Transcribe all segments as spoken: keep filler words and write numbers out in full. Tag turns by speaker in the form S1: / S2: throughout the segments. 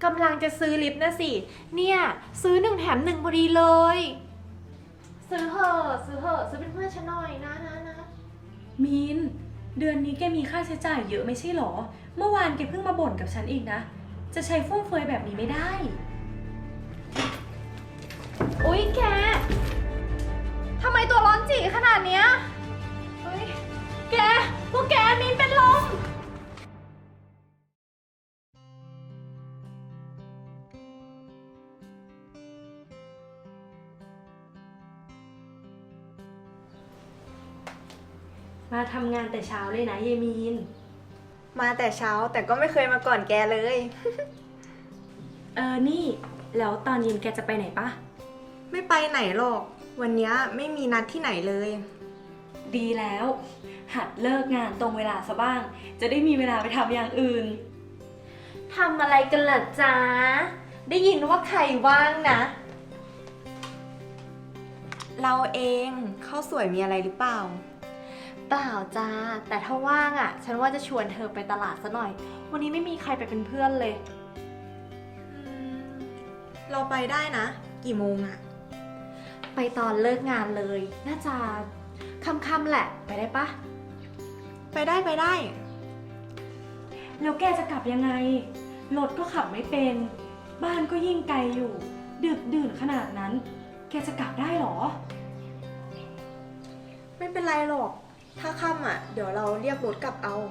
S1: กำลังจะซื้อลิปนะสิเนี่ยซื้อหนึ่งแถมหนึ่งพอดีเลย ซื้อเหอะซื้อเหอะซื้อเป็นเพื่อนฉันหน่อยนะนะนะ
S2: มีนเดือนนี้แกมีค่าใช้จ่ายเยอะไม่ใช่หรอเมื่อวานแกเพิ่งมาบ่นกับฉันอีกนะจะใช้ฟุ่มเฟือยแบบนี้ไม่ได้
S1: อุ๊ยแกทำไมตัวร้อนจีขนาดเนี้ยเฮ้ยแกพวกแกมีนเป็นลม
S2: มาทำงานแต่เช้าเลยนะเยมีน
S3: มาแต่เช้าแต่ก็ไม่เคยมาก่อนแกเลย
S2: เออนี่แล้วตอนเย็นแกจะไปไหนปะ
S3: ไม่ไปไหนหรอก วันนี้ไม่มีนัดที่ไหนเลย
S2: ดีแล้วหัดเลิกงานตรงเวลาซะบ้างจะได้มีเวลาไปทำอย่างอื่น
S1: ทำอะไรกันล่ะจ๊ะได้ยินว่าใครว่างนะ
S3: เราเองข้าวสวยมีอะไรหรือเปล่า
S1: เปล่าจ้าแต่ถ้าว่างอ่ะฉันว่าจะชวนเธอไปตลาดซะหน่อยวันนี้ไม่มีใครไปเป็นเพื่อนเลย
S3: เราไปได้นะกี่โมงอะ
S1: ไปตอนเลิกงานเลยน่าจะค่ำๆแหละไปได้ปะ
S3: ไปได้ไปได้
S2: แล้วแกจะกลับยังไงรถก็ขับไม่เป็นบ้านก็ยิ่งไกลอยู่ดึกดื่นขนาดนั้นแกจะกลับได้หรอ
S3: ไม่เป็นไรหรอกถ้าค่ำอะเดี๋ยวเราเรียกรถกลับเอา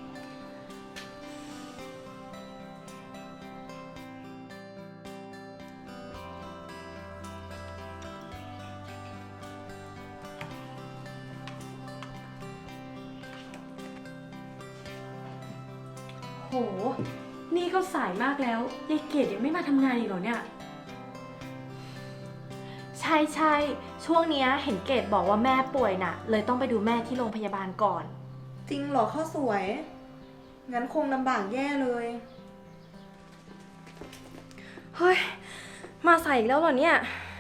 S2: โหนี่ก็สายมากแล้วยายเกดยังไม่มาทำงานอีกเหรอเนี่ย
S1: ใช่ใช่ช่วงนี้เห็นเกดบอกว่าแม่ป่วยน่ะเลยต้องไปดูแม่ที่โรงพยาบาลก่อน
S3: จริงเหรอข้าวสวยงั้นคงลำบากแย่เลย
S2: เฮ้ยมาใส่อีกแล้วเหรอเนี่ย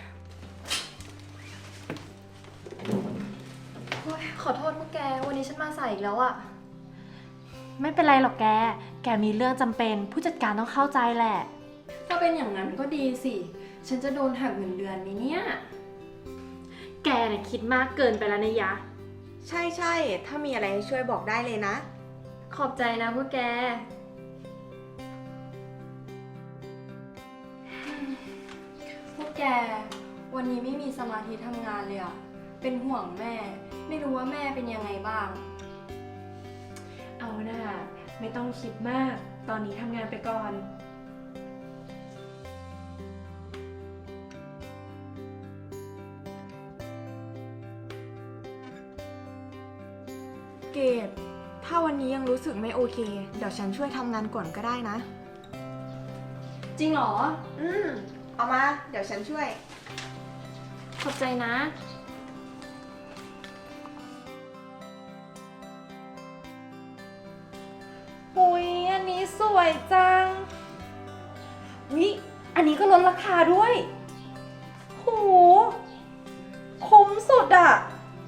S1: ขอโทษพวกแกวันนี้ฉันมาสายอีกแล้วอะไม่เป็นไรหรอกแกแกมีเรื่องจำเป็นผู้จัดการต้องเข้าใจแหละ
S2: ถ้าเป็นอย่างนั้นก็ดีสิฉันจะโดนหักเงินเดือนไหมเนี่ย
S1: แกน่ะคิดมากเกินไปแล้วนะยะ
S3: ใช่ใช่ถ้ามีอะไรให้ช่วยบอกได้เลยนะ
S2: ขอบใจนะพวกแกพวกแกวันนี้ไม่มีสมาธิทำงานเลยอะเป็นห่วงแม่ไม่รู้ว่าแม่เป็นยังไงบ้างเอาหน่าไม่ต้องคิดมากตอนนี้ทำงานไปก่อน
S3: เกดถ้าวันนี้ยังรู้สึกไม่โอเคเดี๋ยวฉันช่วยทำงานก่อนก็ได้นะ
S2: จริงเหรอ
S3: อืมเอามาเดี๋ยวฉันช่วย
S2: ขอบใจนะ
S1: หุยอันนี้สวยจังวิอันนี้ก็ลดราคาด้วยโหคุ้มสุดอะ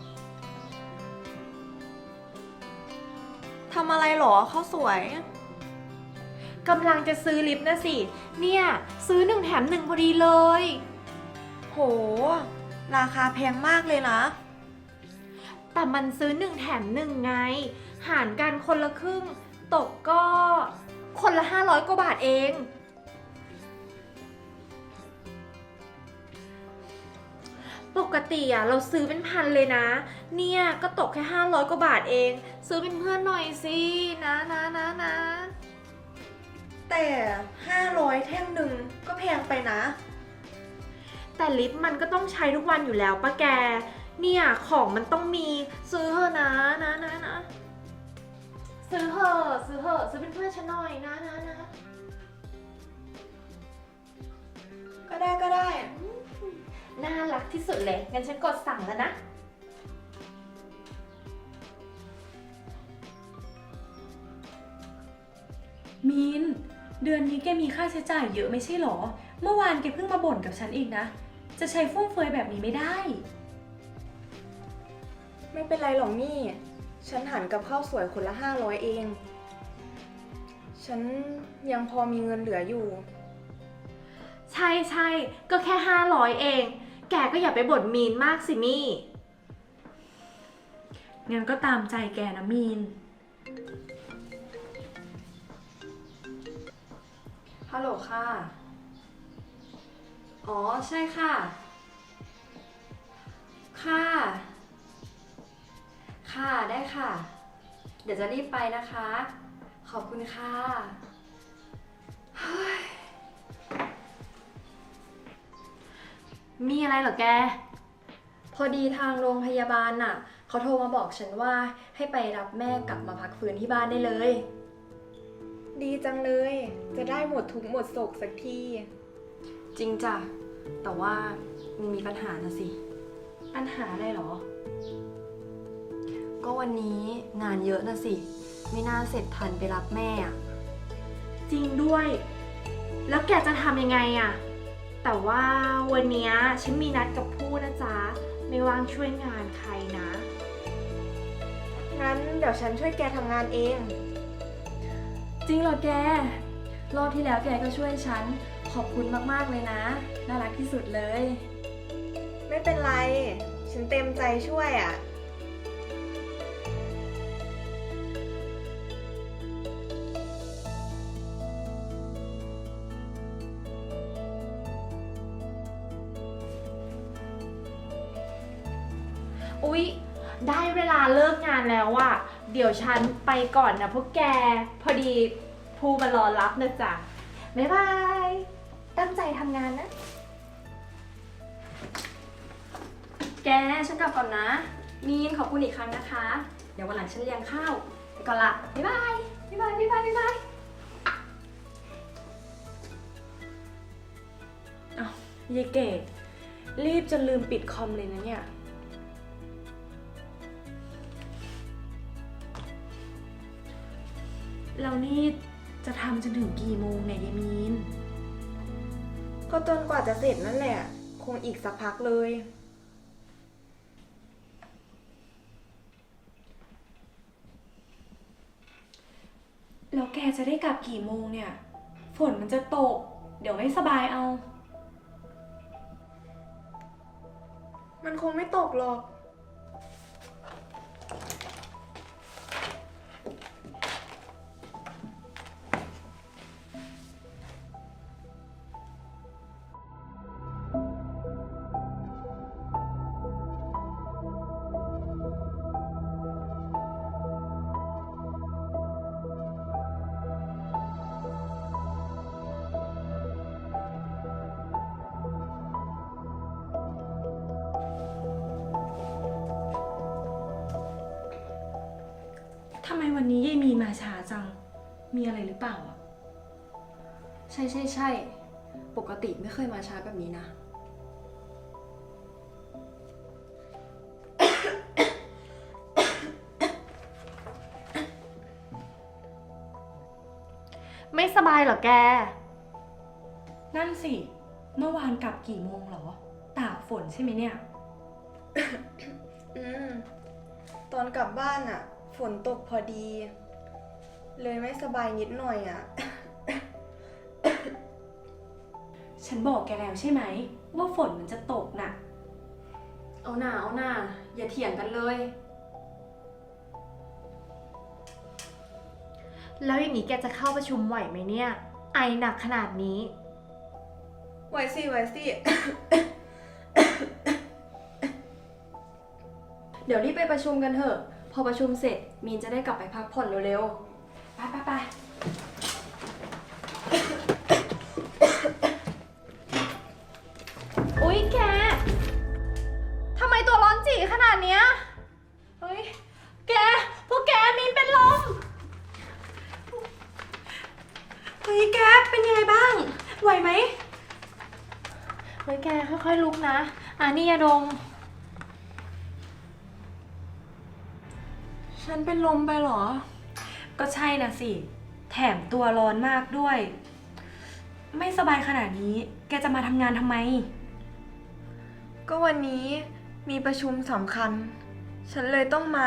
S3: ทำอะไรหรอข้าวสวย
S1: กำลังจะซื้อลิปนะสิเนี่ยซื้อหนึ่งแถมหนึ่งพอดีเลย
S3: โหราคาแพงมากเลยนะ
S1: แต่มันซื้อหนึ่งแถมหนึ่งไงหารกันคนละครึ่งตกก็คนละห้าร้อยกว่าบาทเองปกติอะเราซื้อเป็นพันเลยนะเนี่ยก็ตกแค่ห้าร้อยกว่าบาทเองซื้อเป็นเพื่อนหน่อยสินะนะนะนะ
S3: แต่ห้าร้อยแท่งหนึ่งก็แพงไปนะ
S1: แต่ลิปมันก็ต้องใช้ทุกวันอยู่แล้วป้าแกเนี่ยของมันต้องมีซื้อเถอะนะนะนะนะซื้อเถอะซื้อเถอะซื้อเป็นเพื่อนฉันหน่อยนะนะนะ
S3: ก็ได้ก็ได้
S1: น่ารักที่สุดเลยงั้นฉันกดสั่งแล้วนะ
S2: มีนเดือนนี้แกมีค่าใช้จ่ายเยอะไม่ใช่หรอเมื่อวานแกเพิ่งมาบ่นกับฉันอีกนะจะใช้ฟุ่มเฟือยแบบนี้ไม่ได้
S3: ไม่เป็นไรหรอกนี่ฉันหันกับข้าวสวยคนละห้าร้อยเองฉันยังพอมีเงินเหลืออยู่
S1: ใช่ใช่ก็แค่ห้าร้อยเอง แกก็อย่าไปบ่นมีนมากสิมี่
S2: งั้นก็ตามใจแกนะมีน ฮัลโหลค่ะ อ๋อ ใช่ค่ะ ค่ะ ค่ะได้ค่ะ เดี๋ยวจะรีบไปนะคะ ขอบคุณค่ะ
S1: มีอะไรเหรอแก
S2: พอดีทางโรงพยาบาลน่ะ เขาโทรมาบอกฉันว่าให้ไปรับแม่กลับมาพักฟื้นที่บ้านได้เลย
S3: ดีจังเลย จะได้หมดทุกข์หมดโศกสักที
S2: จริงจ้ะ แต่ว่ามันมีปัญหานะสิ ปัญหาอะไรหรอ ก็วันนี้งานเยอะนะสิ ไม่น่าเสร็จทันไปรับแม่อะ
S1: จริงด้วย แล้วแกจะทำยังไงอะแต่ว่าวันเนี้ยฉันมีนัดกับผู้นะจ๊ะ ไม่ว่างช่วยงานใครนะ
S3: งั้นเดี๋ยวฉันช่วยแกทำงานเอง
S2: จริงเหรอแก รอบที่แล้วแกก็ช่วยฉัน ขอบคุณมากๆเลยนะ น่ารักที่สุดเลย
S3: ไม่เป็นไร ฉันเต็มใจช่วยอ่ะ
S1: อุ๊ย ได้เวลาเลิกงานแล้วอะเดี๋ยวฉันไปก่อนนะพวกแก พอดีผู้มารอรับนะจ๊ะ บ๊ายบาย ตั้งใจทำงานนะ
S2: แก ฉันกลับก่อนนะ มีนขอบคุณอีกครั้งนะคะ เดี๋ยววันหลังฉันเลี้ยงข้าว ไปก่อนละ บ๊ายบาย บ๊ายบาย บ๊ายบาย บ๊ายบายอ้าวยายเกดรีบจนลืมปิดคอมเลยนะเนี่ย เรานี่จะทำจนถึงกี่โมงเนี่ยยายมีน
S3: ก็จนกว่าจะเสร็จนั่นแหละ คงอีกสักพักเลย
S2: แล้วแกจะได้กลับกี่โมงเนี่ย ฝนมันจะตก เดี๋ยวไม่สบายเอา
S3: มันคงไม่ตกหรอก
S2: ทำไมวันนี้ยายมีนมาช้าจัง มีอะไรหรือเปล่าอ่ะ ใช่ใช่ใช่ ปกติไม่เคยมาช้าแบบนี้นะ
S1: ไม่สบายเหรอแก
S2: นั่นสิ เมื่อวานกลับกี่โมงเหรอ ตากฝนใช่ไหมเนี่ย
S3: อืม ตอนกลับบ้านอ่ะ ฝนตกพอดี เลยไม่สบายนิดหน่อยอ่ะ
S2: ฉันบอกแกแล้วใช่ไหม ว่าฝนมันจะตกน่ะ เอาหน่าเอาหน่าอย่าเถียงกันเลย
S1: แล้วอย่างนี้แกจะเข้าประชุมไหวไหมเนี่ย ไอหนักขนาดนี้
S3: ไว้สิไว้สิ
S2: เดี๋ยวรีบไปประชุมกันเถอะ พอประชุมเสร็จมีนจะได้กลับไปพักผ่อนเร็วๆ ไปไปไป
S1: อุ๊ยแก ทำไมตัวร้อนจีขนาดเนี้ย เฮ้ย แก พวกแกมีนเป็นลม
S2: เฮ้ยแกเป็นยังไงบ้าง ไหวไหม
S1: เฮ้ยแกค่อยๆลุกนะ อ่ะนี่ยาดม
S2: ฉันเป็นลมไปเหรอ ก็ใช่นะสิ แถมตัวร้อนมากด้วย ไม่สบายขนาดนี้ แกจะมาทำงานทำไม
S3: ก็วันนี้มีประชุมสำคัญ ฉันเลยต้องมา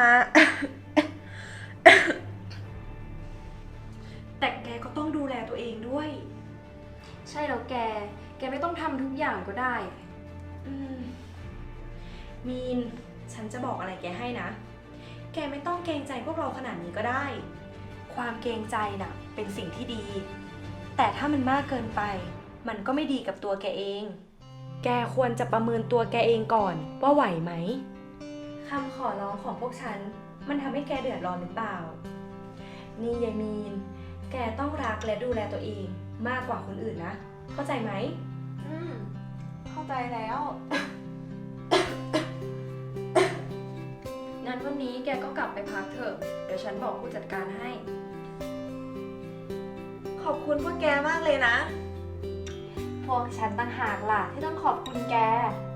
S2: แต่แกก็ต้องดูแลตัวเองด้วย ใช่แล้วแก แกกไม่ต้องทำทุกอย่างก็ได้
S4: อืมมีน ฉันจะบอกอะไรแกให้นะ แกไม่ต้องเกรงใจพวกเราขนาดนี้ก็ได้ ความเกรงใจน่ะ เป็นสิ่งที่ดี แต่ถ้ามันมากเกินไป มันก็ไม่ดีกับตัวแกเอง แกควรจะประเมินตัวแกเองก่อนว่าไหวไหม คำขอร้องของพวกฉัน มันทำให้แกเดือดร้อนหรือเปล่า นี่ยายมีน แกต้องรักและดูแลตัวเองมากกว่าคนอื่นนะ เข้าใจไหม
S3: อืม เข้าใจแล้ว
S2: งั้นวันนี้แกก็กลับไปพักเถอะ เดี๋ยวฉันบอกผู้จัดการให้
S1: ขอบคุณพวกแกมากเลยนะ พวกฉันต่างหากล่ะที่ต้องขอบคุณแก